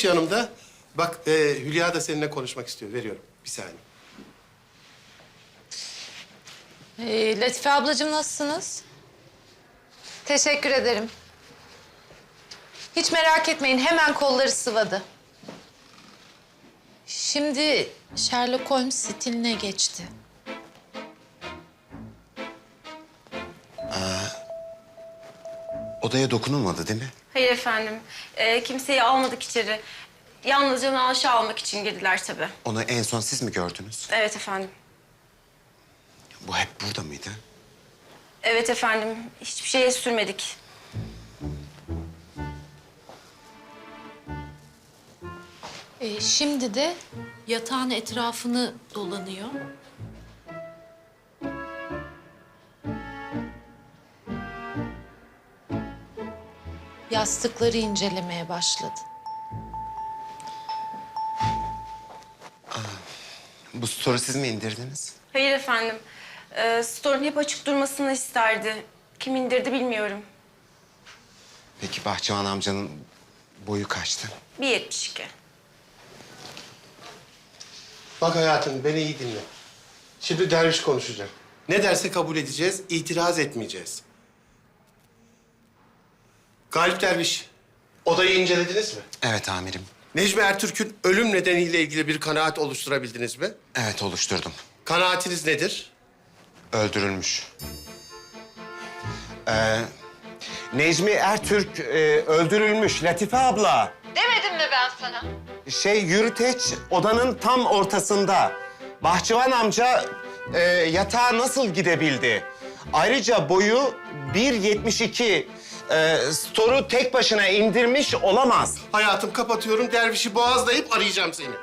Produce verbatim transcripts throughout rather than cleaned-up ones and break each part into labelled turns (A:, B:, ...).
A: Derviş yanımda. Bak e, Hülya da seninle konuşmak istiyor. Veriyorum. Bir saniye.
B: Ee, Latife ablacığım nasılsınız? Teşekkür ederim. Hiç merak etmeyin, hemen kolları sıvadı. Şimdi Sherlock Holmes stiline geçti.
C: Odaya dokunulmadı değil mi?
D: Hayır efendim. Ee, kimseyi almadık içeri. Yalnızca naaşı almak için girdiler tabii.
C: Onu en son siz mi gördünüz?
D: Evet efendim.
C: Bu hep burada mıydı?
D: Evet efendim. Hiçbir şeye sürmedik.
B: Ee, şimdi de yatağın etrafını dolanıyor. Yastıkları incelemeye başladı.
C: Bu story siz mi indirdiniz?
D: Hayır efendim. Ee, store'un hep açık durmasını isterdi. Kim indirdi bilmiyorum.
C: Peki Bahçıvan amcanın boyu kaçtı?
D: bir yetmiş iki.
A: Bak hayatım, beni iyi dinle. Şimdi Derviş konuşacak. Ne derse kabul edeceğiz, itiraz etmeyeceğiz. Galip Derviş, odayı incelediniz mi?
C: Evet amirim.
A: Necmi Ertürk'ün ölüm nedeniyle ilgili bir kanaat oluşturabildiniz mi?
C: Evet oluşturdum.
A: Kanaatiniz nedir?
C: Öldürülmüş. Ee, Necmi Ertürk e, öldürülmüş Latife abla.
B: Demedim mi ben sana?
C: Şey yürüteç odanın tam ortasında. Bahçıvan amca e, yatağa nasıl gidebildi? Ayrıca boyu bir yetmiş iki. E, storu tek başına indirmiş olamaz.
A: Hayatım kapatıyorum, Derviş'i boğazlayıp arayacağım seni.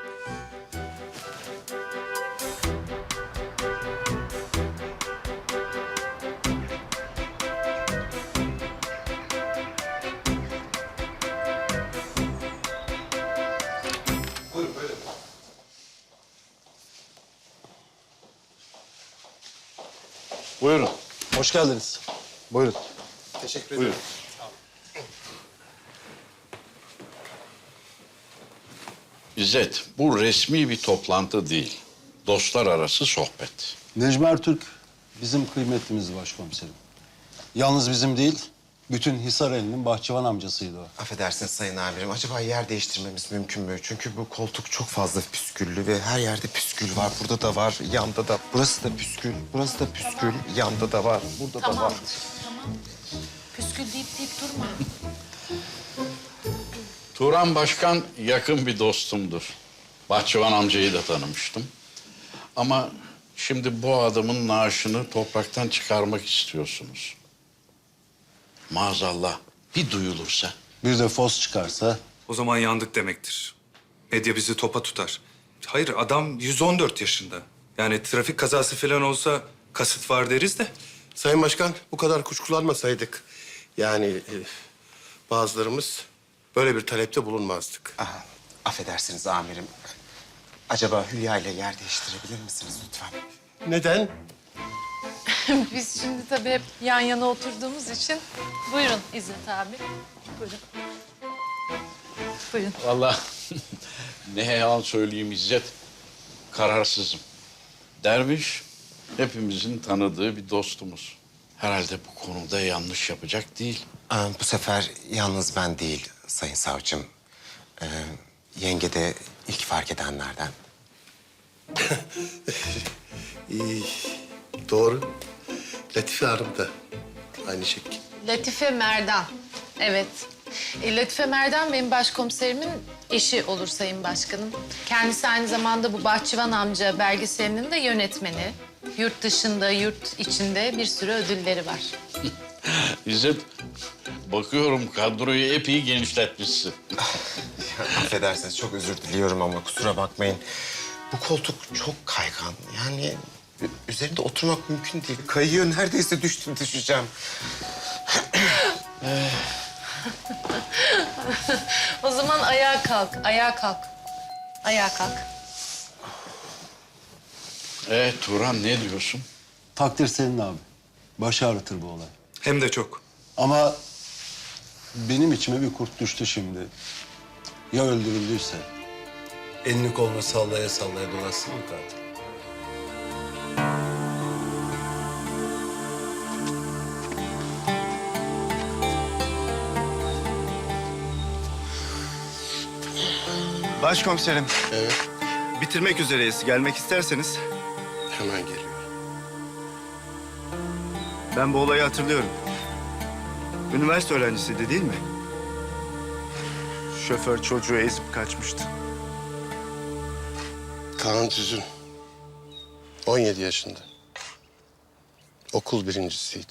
A: Buyurun, buyurun.
E: Buyurun. Hoş geldiniz. Buyurun.
A: Teşekkür ederim.
E: Buyurun.
F: İzzet, bu resmi bir toplantı değil. Dostlar arası sohbet.
E: Necmi Ertürk bizim kıymetlimiz başkomiserim. Yalnız bizim değil, bütün Hisareli'nin bahçıvan amcasıydı o.
C: Affedersiniz sayın amirim. Acaba yer değiştirmemiz mümkün mü? Çünkü bu koltuk çok fazla püsküllü ve her yerde püskül var. Burada da var, yanda da. Burası da püskül, burası da püskül. Yanda da var, burada da var.
B: Tamam. Püskül deyip deyip durma.
F: Turan Başkan yakın bir dostumdur. Bahçıvan amcayı da tanımıştım. Ama şimdi bu adamın naaşını topraktan çıkarmak istiyorsunuz. Maazallah bir duyulursa.
E: Bir de fos çıkarsa
G: O zaman yandık demektir. Medya bizi topa tutar. Hayır, adam yüz on dört yaşında. Yani trafik kazası falan olsa kasıt var deriz de.
A: Sayın Başkan, bu kadar kuşkulanmasaydık... yani e, bazılarımız böyle bir talepte bulunmazdık.
C: Aha, affedersiniz amirim. Acaba Hülya ile yer değiştirebilir misiniz lütfen?
A: Neden?
B: Biz şimdi tabii hep yan yana oturduğumuz için... Buyurun İzzet abi. Buyurun. Buyurun.
F: Vallahi ne yalan söyleyeyim İzzet, kararsızım. Derviş hepimizin tanıdığı bir dostumuz. Herhalde bu konuda yanlış yapacak değil.
C: Aa, bu sefer yalnız ben değil sayın savcım. Ee, yenge de ilk fark edenlerden.
A: İyi, doğru. Latife Hanım da aynı şekilde.
B: Latife Merdan. Evet. E, Latife Merdan benim başkomiserimin eşi olur Sayın Başkanım. Kendisi aynı zamanda bu Bahçıvan amca belgeselinin de yönetmeni. Yurt dışında, yurt içinde bir sürü ödülleri var.
F: İzzet, bakıyorum kadroyu epey genişletmişsin.
C: Affedersiniz çok özür diliyorum ama kusura bakmayın. Bu koltuk çok kaygan. Yani üzerinde oturmak mümkün değil. Kayıyor neredeyse düştüm düşeceğim.
B: O zaman ayağa kalk, ayağa kalk. Ayağa kalk.
F: Ee, Turan ne diyorsun?
E: takdir senin abi. Baş ağrıtır bu olay.
G: Hem de çok.
E: Ama benim içime bir kurt düştü şimdi. Ya öldürüldüyse?
H: Elini kolunu sallaya sallaya dolaşsın mı katil?
I: Başkomiserim,
A: Evet,
I: bitirmek üzereyiz. Gelmek isterseniz.
A: hemen geliyorum.
I: Ben bu olayı hatırlıyorum. Üniversite öğrencisiydi değil mi? Şoför çocuğu ezip kaçmıştı.
A: Kaan Tüzün. on yedi yaşında. Okul birincisiydi.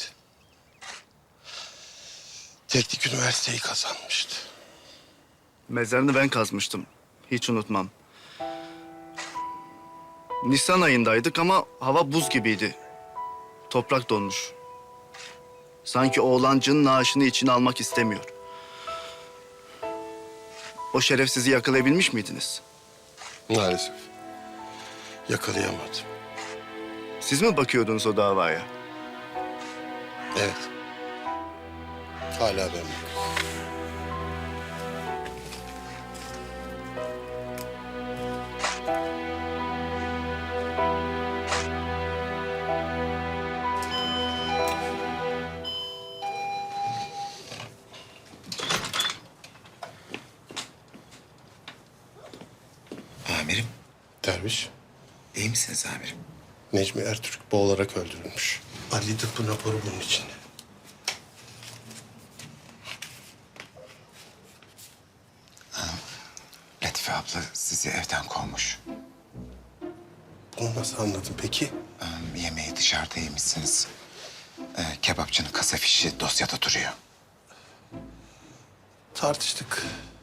A: Teknik üniversiteyi kazanmıştı.
I: Mezarını ben kazmıştım. Hiç unutmam. Nisan ayındaydık ama hava buz gibiydi. Toprak donmuş. Sanki oğlancının naaşını içine almak istemiyor. O şerefsizi yakalayabilmiş miydiniz?
A: Maalesef. Yakalayamadım.
I: Siz mi bakıyordunuz o davaya?
A: Evet. Hala ben bakıyorum.
J: Amirim,
A: Derviş,
J: iyi misiniz amirim?
A: Necmi Ertürk boğularak öldürülmüş. Adli tıbbın raporu bunun içinde.
J: Latife abla sizi evden kovmuş.
A: Bunu nasıl anladın peki?
J: Ee, yemeği dışarıda yemişsiniz. Ee, kebapçının kasa fişi dosyada duruyor.
A: Tartıştık.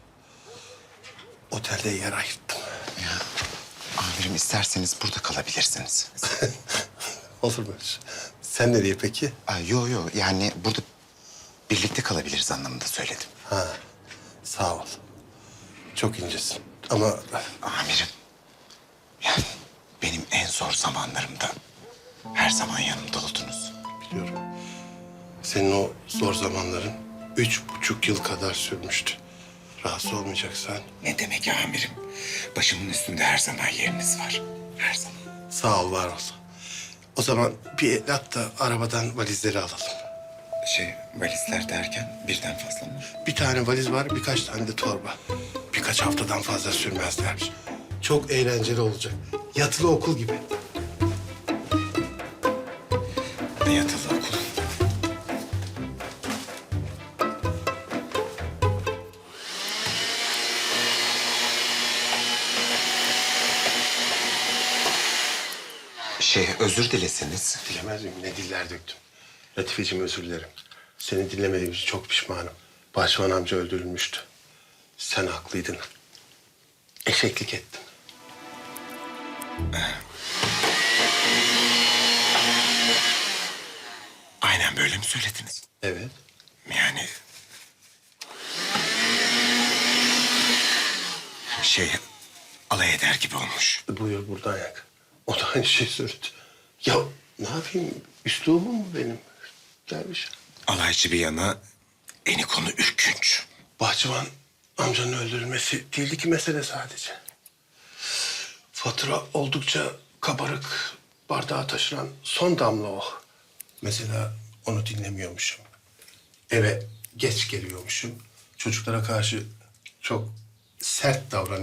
A: Otelde yer ayırttım.
J: Amirim isterseniz burada kalabilirsiniz.
A: Olur mu öyle şey? Sen nereye peki?
J: Aa, yo yo yani burada birlikte kalabiliriz anlamında söyledim.
A: Ha, sağ ol. Çok incesin. Ama
J: Amirim, yani benim en zor zamanlarımda her zaman yanımda oldunuz.
A: biliyorum. Senin o zor zamanların üç buçuk yıl kadar sürmüştü. Rahatsız olmayacaksan
J: Ne demek amirim? Başımın üstünde her zaman yeriniz var. Her zaman.
A: sağ ol, var ol. O zaman bir el at da arabadan valizleri alalım.
J: Şey, valizler derken birden fazla mı?
A: Bir tane valiz var, birkaç tane de torba. Birkaç haftadan fazla sürmezlermiş. Çok eğlenceli olacak. Yatılı okul gibi.
J: Ne yatılı okul? Şey, özür dileseniz.
A: Dilemez miyim? Ne diller döktüm. Latifeciğim, özür dilerim. Seni dinlemediğim için çok pişmanım. Başvan amca öldürülmüştü. Sen haklıydın. Eşeklik ettim.
J: Aynen böyle mi söylediniz?
A: Evet.
J: Yani... Şey, alay eder gibi olmuş.
A: Buyur buradan yak. O da aynı şey söyledi. Ya ne yapayım? Üslubum mu benim? Derviş.
J: Alaycı bir yana, eni konu ürkünç.
A: Bahçıvan amcanın öldürülmesi değildi ki mesele sadece. Fatura oldukça kabarık, bardağa taşıran son damla o. Mesela onu dinlemiyormuşum. Eve geç geliyormuşum. Çocuklara karşı çok sert davranıyormuşum.